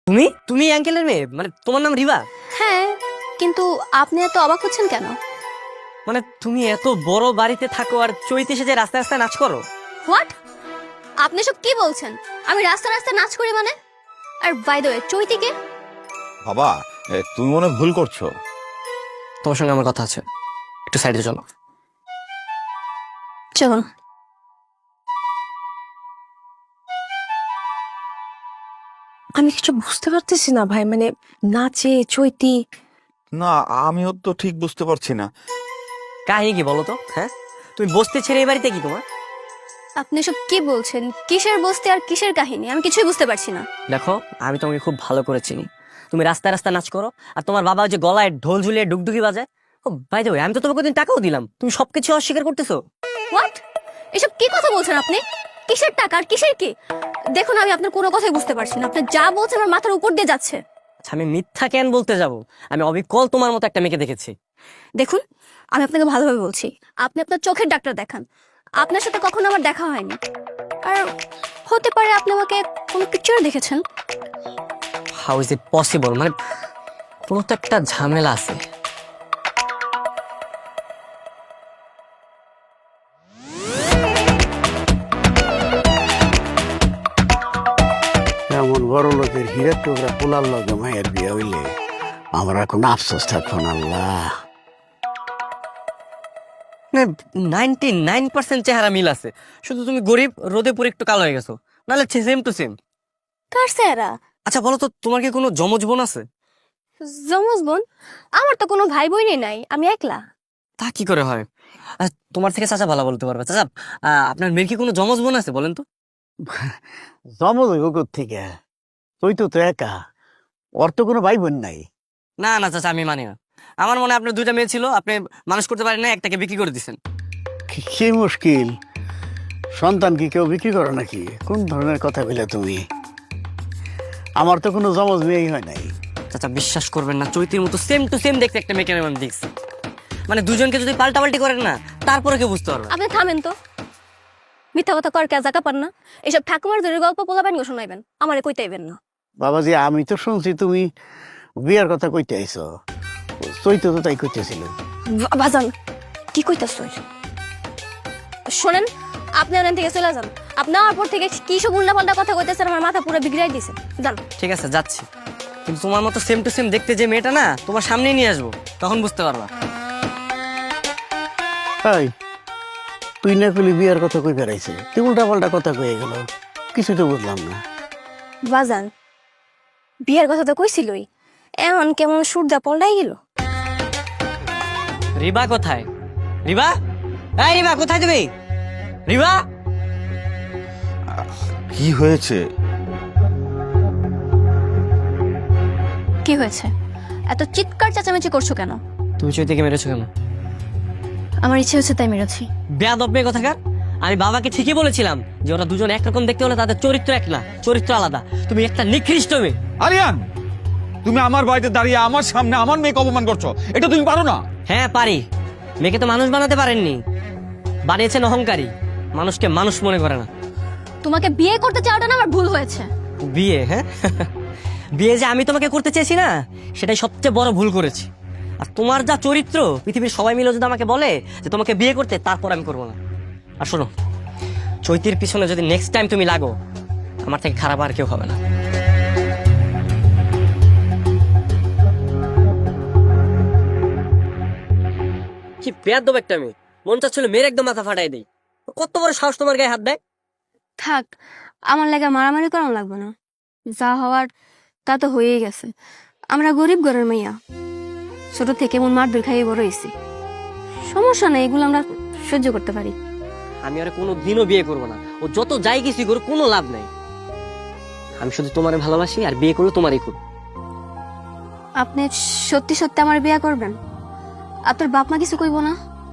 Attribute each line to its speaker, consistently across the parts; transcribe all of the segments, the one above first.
Speaker 1: তুমি তুমি আঙ্কেলের মেয়ে, মানে তোমার নাম রিবা?
Speaker 2: হ্যাঁ, কিন্তু আপনি এত অবাক হচ্ছেন কেন?
Speaker 1: মানে তুমি এত বড় বাড়িতে থাকো আর চৈতে এসে যে রাস্তায় রাস্তায় নাচ করো?
Speaker 2: হোয়াট? আপনি সব কি বলছেন? আমি রাস্তা রাস্তা নাচ করি মানে? আর বাই দ্য ওয়ে, চৈতিকে?
Speaker 3: বাবা, তুমি মনে হয় ভুল করছো।
Speaker 1: তোমার সঙ্গে আমার কথা আছে, একটু সাইডে চলো।
Speaker 2: চলুন।
Speaker 4: আমি কিছু বুঝতে পারতেছি না ভাই, মানে নাচে চৈতি।
Speaker 3: না, আমিও তো ঠিক বুঝতে পারছি না।
Speaker 1: কাহিনী কি বলো তো? হ্যাঁ, তুমি বসতে ছেড়ে এই বাড়িতে কি তোমার?
Speaker 2: আপনি সব কি বলছেন? কিসের বস্তি আর কিসের কাহিনী? আমি কিছুই বুঝতে পারছি না।
Speaker 1: দেখো, আমি তোমাকে খুব ভালো করে চিনি। তুমি রাস্তায় রাস্তায় নাচ করো, আর তোমার বাবা ওই যে গলায় ঢোল ঝুলিয়ে ডুগডুগি বাজায়। ও বাই দ্য ওয়ে, আমি তো তোমাকে দিন টাকাও দিলাম, তুমি সবকিছু অস্বীকার করতেছো।
Speaker 2: হোয়াট? এসব কি কথা বলছেন আপনি? কিসের টাকা আর কিসের কি? দেখুন, আমি আপনার কোনো কথাই বুঝতে পারছি না। আপনি যা বলছেন আমার মাথার উপর দিয়ে যাচ্ছে।
Speaker 1: আচ্ছা, আমি মিথ্যা কেন বলতে যাব? আমি অবিকল তোমার মতো একটা মেয়েকে দেখেছি।
Speaker 2: দেখুন, আমি আপনাকে ভালোভাবে বলছি, আপনি আপনার চোখের ডাক্তার দেখান। আপনার সাথে কখনো আমার দেখা হয়নি। আর হতে পারে আপনি আমাকে কোনো পিকচারে দেখেছেন।
Speaker 1: How is it possible? মানে কোনো তো একটা ঝামেলা আছে।
Speaker 5: এমন বড় লোকের হীরা টুকরা পোলার লগে মায়ের বিয়ে হইলে আমরা কোনো আফসোস থাকবো না। আল্লাহ,
Speaker 1: 99% চেহারা মিল আছে, শুধু তুমি গরিব, রোদে পুরো একটু কালো হয়ে গেছো, নাহলে সেম টু সেম।
Speaker 2: কার চেহারা?
Speaker 1: আচ্ছা বলো তো, তোমার কি কোনো যমজ বোন আছে?
Speaker 2: যমজ বোন? আমার তো কোনো ভাই বোনই নাই, আমি একলা।
Speaker 1: তা কি করে হয়? তোমার থেকে চাচা ভালো বলতে পারবে। চাচা, আপনার মেয়ের কি কোনো যমজ বোন আছে বলেন তো?
Speaker 5: জমজ হইব থেকে? তুই তো তো একা, ওর তো কোনো ভাই বোন নাই।
Speaker 1: না না চাচা, আমি মানি না। আমার মনে হয় আপনার দুইটা মেয়ে ছিল, আপনি মানুষ করতে পারেন না, একটাকে বিক্রি করে দিচ্ছেন।
Speaker 5: কি মুশকিল, সন্তান কি কেউ বিক্রি করো নাকি? কোন ধরনের কথা বলে তুমি? আমার তো কোনো জমজ মেয়েই হয় নাই।
Speaker 1: চাচা বিশ্বাস করবেন না, চৈতির মতো সেম টু সেম দেখতে একটা মেয়েকে আমি দেখছি। মানে দুজনকে যদি পাল্টাপাল্টি করেন না, তারপরে কেউ বুঝতে পারবে।
Speaker 2: আপনি থামেন তো, মিথ্যা কথা কর কেজা কাপান না। এসব ঠাকুমার জোরের গল্প পোলাবেন গো শোনাইবেন, আমারে কইতেইবেন না।
Speaker 5: বাবাজি, আমি তো শুনছি তুমি বিয়ার কথা কইতে আইছো। চৈত তো তাই কইতেছিল।
Speaker 2: বাজান, কি কইতাছ? শোনেন, আপনি ওখান থেকে চলে যান। আপনি আমার পর থেকে কি সব উল্টাপাল্টা কথা কইতেছেন, আমার মাথা পুরো বিগড়াই দিছে। যান।
Speaker 1: ঠিক আছে, যাচ্ছি, কিন্তু তোমার মতো সেম টু সেম দেখতে যে মেয়েটা না, তোমার সামনেই নিয়ে আসবো, তখন বুঝতে পারবা।
Speaker 5: হাই, তুই না কইলি বিয়ার কথা কই বেড়াইছে, তুই উল্টা পাল্টা কথা কয়ে গেল, কিছু তো বুঝলাম না।
Speaker 2: বাজান, বিয়ের কথা তো কইছিলই, এমন কেমন সুরদা পল্টাই গেল।
Speaker 1: রিবা কোথায়? রিবা, এই রিবা, কোথায় তুমি? রিবা,
Speaker 3: কি হয়েছে?
Speaker 2: কি হয়েছে? এত চিৎকার চেঁচামেচি করছো কেন?
Speaker 1: তুমি চৈতিকে মেরেছো কেন?
Speaker 2: আমার ইচ্ছে হচ্ছে তাই মেরেছি।
Speaker 1: বেয়াদব মেয়ে কোথাকার! আমি বাবাকে ঠিকই বলেছিলাম যে ওরা দুজন একরকম দেখতে হলে তাদের চরিত্র এক না, চরিত্র আলাদা। তুমি একটা নিকৃষ্ট মেয়ে।
Speaker 3: আরিয়ান, তুমি আমার বাড়িতে দাঁড়িয়ে আমার সামনে আমার মেয়েকে অপমান করছো, এটা তুমি পারো না?
Speaker 1: হ্যাঁ পারি, মেয়েকে তো মানুষ বানাতে পারেননি, বানিয়েছেন অহংকারী, মানুষকে মানুষ মনে করে না।
Speaker 2: তোমাকে বিয়ে করতে চাওয়াটা না আমার ভুল হয়েছে।
Speaker 1: বিয়ে? হ্যাঁ বিয়ে যে আমি তোমাকে করতে চেয়েছি না, সেটাই সবচেয়ে বড় ভুল করেছি। আর তোমার যা চরিত্র, পৃথিবীর সবাই মিলে যদি আমাকে বলে যে তোমাকে বিয়ে করতে, তারপর আমি করবো না। আর শোনো, চৈতির পিছনে যদি নেক্সট টাইম তুমি লাগো, আমার থেকে খারাপ আর কেউ হবে না। কি বেয়াদব একটা মেয়ে, মন চাচ্ছিল মেয়ের একদম মাথা ফাটাই দেই। কত বড় সাহস তোমার গায়ে হাত দেয়!
Speaker 2: থাক, আমার লাগা মারামারি করানো লাগবে না। যা হওয়ার তা তো হয়েই গেছে। আমরা গরিব ঘরের মেয়া, ছোট থেকে মন মারধর খাইয়ে বড় হয়েছি। সমস্যা নেই, এগুলো আমরা সহ্য করতে পারি।
Speaker 1: আমি আর কোনো দিনও বিয়ে করবো না, ও যত যাই কিছুই করুক কোনো লাভ নাই। আমি শুধু তোমারে ভালোবাসি, আর বিয়ে করলে তোমারই করব।
Speaker 2: আপনি সত্যি সত্যি আমার বিয়ে করবেন? আপনার বাপ মা কিছু কইব না?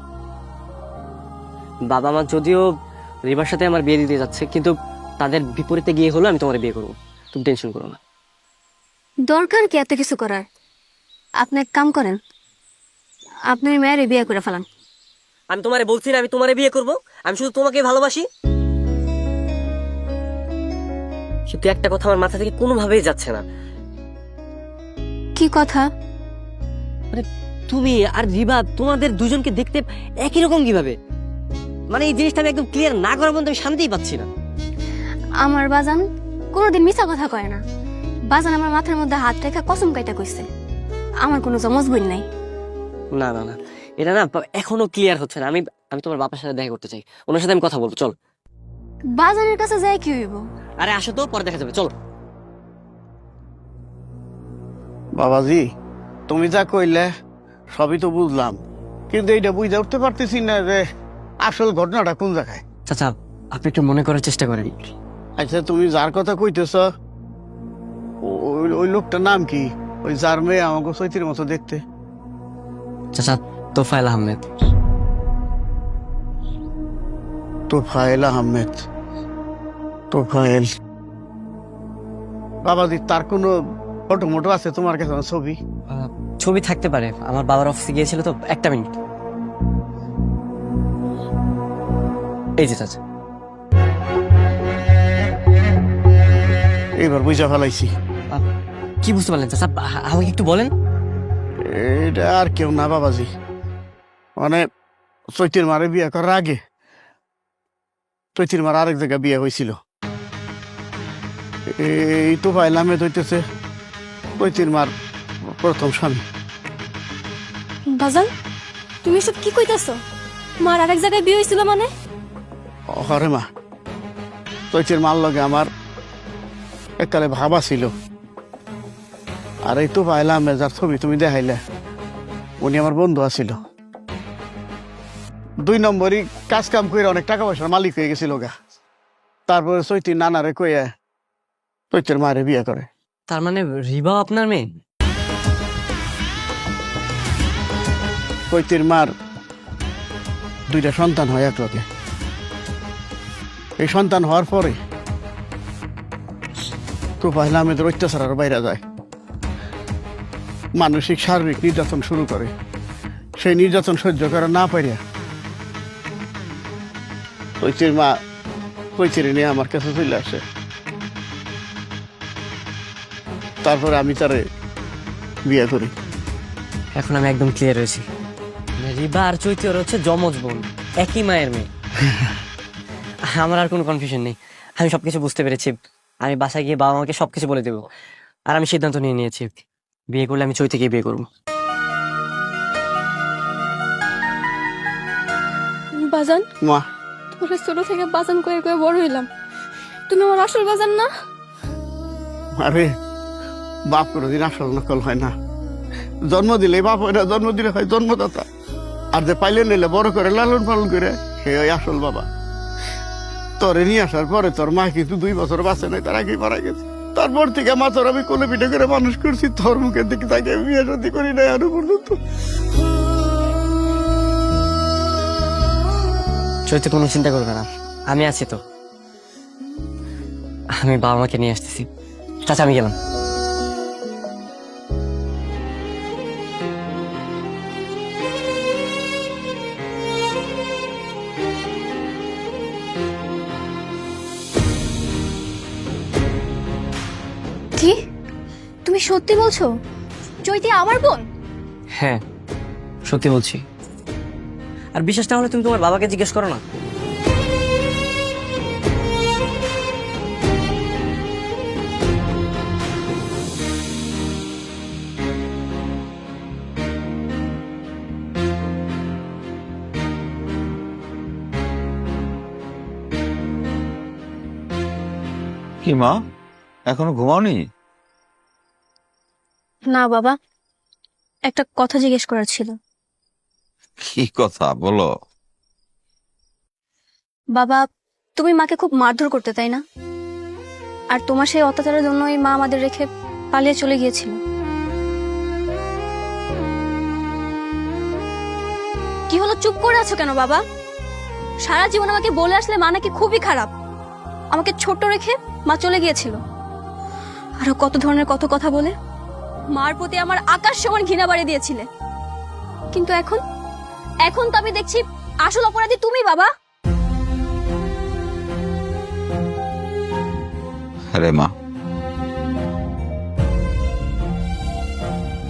Speaker 1: বাবা মা যদিও রিবার সাথে আমার বিয়ে দিতে যাচ্ছে, কিন্তু তাদের বিপরীতে গিয়ে হলো আমি তোমার বিয়ে করবো। তুমি টেনশন করো না।
Speaker 2: দরকার কি এত কিছু করার? আপনি এক কাম করেন, আপনি মেয়ের বিয়ে করে ফেলান।
Speaker 1: আমি তোমারে বলছি না আমি তোমারে বিয়ে করব, আমি শুধু তোমাকে ভালোবাসি। কিন্তু একটা কথা আমার মাথা থেকে কোনোভাবেই যাচ্ছে না,
Speaker 2: কি কথা?
Speaker 1: তুমি আর রিবা তোমাদের দুজনকে দেখতে একই রকম কিভাবে? মানে এই জিনিসটা আমি একদম ক্লিয়ার না করার মধ্যে আমি শান্তিই পাচ্ছি না।
Speaker 2: আমার বাজান কোনোদিন মিছা কথা কয় না। বাজান আমার মাথার মধ্যে হাত রেখা কসম কাইটা কইছে আমার কোনো জমজ বোন নাই।
Speaker 1: না না না, এটা না এখনো ক্লিয়ার হচ্ছে না। আমি আমি তোমার বাবার সাথে দেখা করতে চাই, ওনার সাথে আমি কথা বলবো। চল।
Speaker 2: বাজানের কাছে যায় কি হইব?
Speaker 1: আরে আসো তো, পরে দেখা যাবে, চলো।
Speaker 5: বাবাজি, তুমি যা কইলে সবই তো বুঝলাম, কিন্তু এইটা বুঝে উঠতে পারতেছি না যে আসল ঘটনাটা কোন জায়গায়।
Speaker 1: চাচা, আপনি একটু মনে করার চেষ্টা করেন।
Speaker 5: আচ্ছা, তুমি যার কথা কইতেছ ওই লোকটার নাম কি? ওই যার মেয়ে আমাকে চৈতির মতো দেখতে।
Speaker 1: চাচা, তোফায়েল আহমেদ।
Speaker 5: তোফায়েল আহমেদ? তোফায়েল বাবাজি, তার কোনো ফটো মোটো আছে তোমার কাছে? ছবি
Speaker 1: ছবি থাকতে পারে, আমার বাবার অফিসে গিয়েছিল তো। একটা মিনিট। এই যে চাচা।
Speaker 5: এবার বুঝা ফেলাইছি।
Speaker 1: কি বুঝতে পারলেন চাচা? আমাকে একটু বলেন।
Speaker 5: এটা আর কেউ না বাবাজি, মানে চৈতির মারে বিয়ে করার আগে চৈতির মার আরেক জায়গায় বিয়ে হয়েছিল। এই তো ভাই নামে হইতেছে চৈতির মার প্রথম স্বামী।
Speaker 2: বাজান, তুমি সব কি কইতাছো? মার আরেক জায়গায় বিয়ে হইছিল মানে?
Speaker 5: হরে মা, চৈতির মার লগে আমার এককালে ভাবা ছিল। আর এই তো পাইলাম যার ছবি তুমি দেখাইলে, উনি আমার বন্ধু আছিল। 2 নম্বরই কাজ কাম করে অনেক টাকা পয়সার মালিক হয়ে গেছিল গা। তারপরে চৈতির নানারে কইয়া চৈতির মারে বিয়ে করে।
Speaker 1: তার মানে রিবাও আপনার মেয়ে?
Speaker 5: চৈতির মার 2টা সন্তান হয় এক লগে। এই সন্তান হওয়ার পরে তো পাইলাম এদের অত্যাচার আরো বাইরে যায়, মানসিক শারীরিক নির্যাতন শুরু করে। সেই নির্যাতন সহ্য করা না পারিয়া চৈতির মা চৈতির নিয়ে আমার কাছে চলে আসে। তারপরে আমি তারে বিয়ে করি।
Speaker 1: এখন আমি একদম ক্লিয়ার হয়েছি। রিবা আর চৈতি ওর হচ্ছে যমজ বোন, একই মায়ের মেয়ে। আমার আর কোনো কনফিউশন নেই, আমি সবকিছু বুঝতে পেরেছি। আমি বাসায় গিয়ে বাবা মাকে সবকিছু বলে দেবো। আর আমি সিদ্ধান্ত নিয়ে নিয়েছি, বিয়ে করলে আমি চৈতিকে বিয়ে করবো।
Speaker 2: বাজান,
Speaker 5: মা,
Speaker 2: তোরা ছোট থেকে বাজান করে করে বড় হইলাম, তুমি আমার আসল বাজান না?
Speaker 5: আরে বাপ কোনোদিন আসল নকল হয় না। জন্ম দিলে বাপ হয় না, জন্ম দিলে হয় জন্মদাতা। আর যে পাইলে নিলে বড় করে লালন পালন করে সে ওই আসল বাবা। তোরে নিয়ে আসার পরে তোর মা কিন্তু 2 বছর বাঁচে নাই, তার আগেই মারা গেছে। তারপর থেকে মা তোর আমি কোলে পিঠে করে মানুষ করছি, তোর মুখের দিকে তাকে বিয়ে শাদী করি নাই আরো পর্যন্ত।
Speaker 1: চৈতি কোনো চিন্তা করবে না, আমি আছি তো। আমি বাবা মাকে নিয়ে আসতেছি। চাচা, আমি গেলাম।
Speaker 2: কি তুমি সত্যি বলছো? চৈতি আমার বোন?
Speaker 1: হ্যাঁ, সত্যি বলছি। আর বিশ্বাস না হলে তুমি তোমার বাবাকে জিজ্ঞেস করো না।
Speaker 3: কি মা, এখনো ঘুমাওনি?
Speaker 2: না বাবা, একটা কথা জিজ্ঞেস করার ছিল।
Speaker 3: কি কথা বলো?
Speaker 2: বাবা, তুমি মাকে খুব মারধর করতে, তাই না? আর তোমার সেই অত্যাচারের জন্যই মা আমাদের রেখে পালিয়ে চলে গিয়েছিল। কি হলো, চুপ করে আছো কেন বাবা? সারা জীবন আমাকে বলে আসলে মা নাকি খুবই খারাপ, আমাকে ছোট রেখে মা চলে গিয়েছিল। আরো কত ধরনের কত কথা বলে মার প্রতি আমার আকাশ সমান ঘৃণা বাড়িয়ে দিয়েছিলে। কিন্তু এখন এখন তো আমি দেখছি আসল অপরাধী তুমি বাবা।
Speaker 3: আরে মা,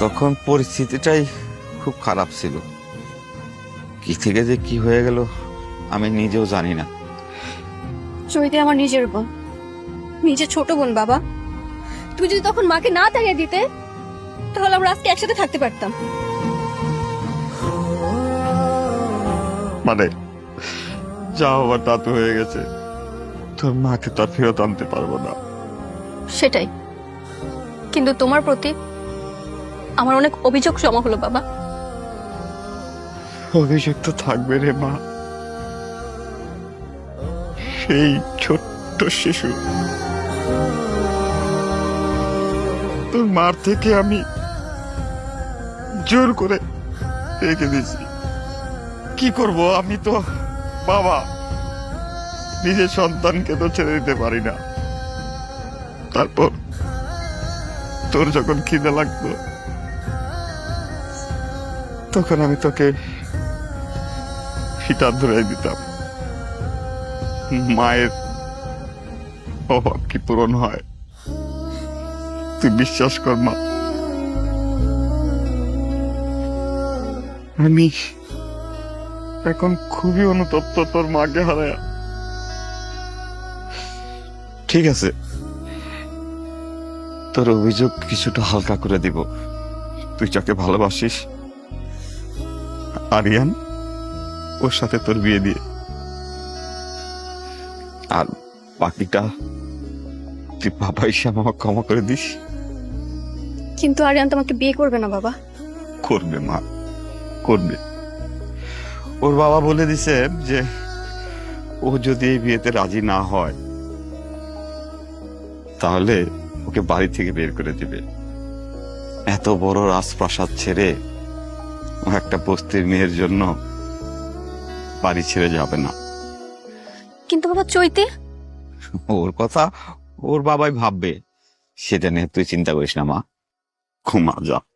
Speaker 3: তখন পরিস্থিতিটাই খুব খারাপ ছিল, কি থেকে যে কি হয়ে গেল আমি নিজেও জানি না।
Speaker 2: চৈতি আমার নিজের বোন, নিজের ছোট বোন বাবা। তুই যদি তখন মাকে না তাড়িয়ে দিতে, তাহলে আমরা আজকে একসাথে থাকতে পারতাম।
Speaker 3: মানে যা হবার তা তো হয়ে গেছে, তোর মাকে তো আর ফেরত আনতে পারবো না।
Speaker 2: সেটাই, কিন্তু তোমার প্রতি আমার অনেক অভিযোগ জমা হলো বাবা।
Speaker 3: অভিযোগ তো থাকবে রে মা, সেই ছোট্ট শিশু তোর মার থেকে আমি জোর করে রেখে দিয়েছি। কি করব, আমি তো বাবা, নিজের সন্তানকে তো ছেড়ে দিতে পারি না। তারপর তোর যখন খিদে লাগতো তখন আমি তোকে ফিটা ধরে দিতাম। মায়ের অভাব কি পূরণ হয়? তুই বিশ্বাস কর মা, আমি এখন খুবই অনুতপ্ত তোর মাকে হারায়। ঠিক আছে, তোর অভিযোগ কিছুটা হালকা করে দিব। তুই যাকে ভালোবাসিস আরিয়ান, ওর সাথে তোর বিয়ে দিয়ে, আর বাকিটা তুই বাবা হিসাবে আমাকে ক্ষমা করে দিস।
Speaker 2: কিন্তু আরিয়ান তোমাকে বিয়ে করবে না বাবা।
Speaker 3: করবে মা, করবে। ওর বাবা বলে দিছে যে ও যদি এই বিয়েতে রাজি না হয় তাহলে ওকে বাড়ি থেকে বের করে দিবে। এত বড় রাজপ্রাসাদ ছেড়ে ও একটা বস্তির মেয়ের জন্য বাড়ি ছেড়ে যাবে না।
Speaker 2: কিন্তু বাবা চৈতি,
Speaker 3: ওর কথা ওর বাবাই ভাববে, সেটা নিয়ে তুই চিন্তা করিস না মা, ঘুমা যা।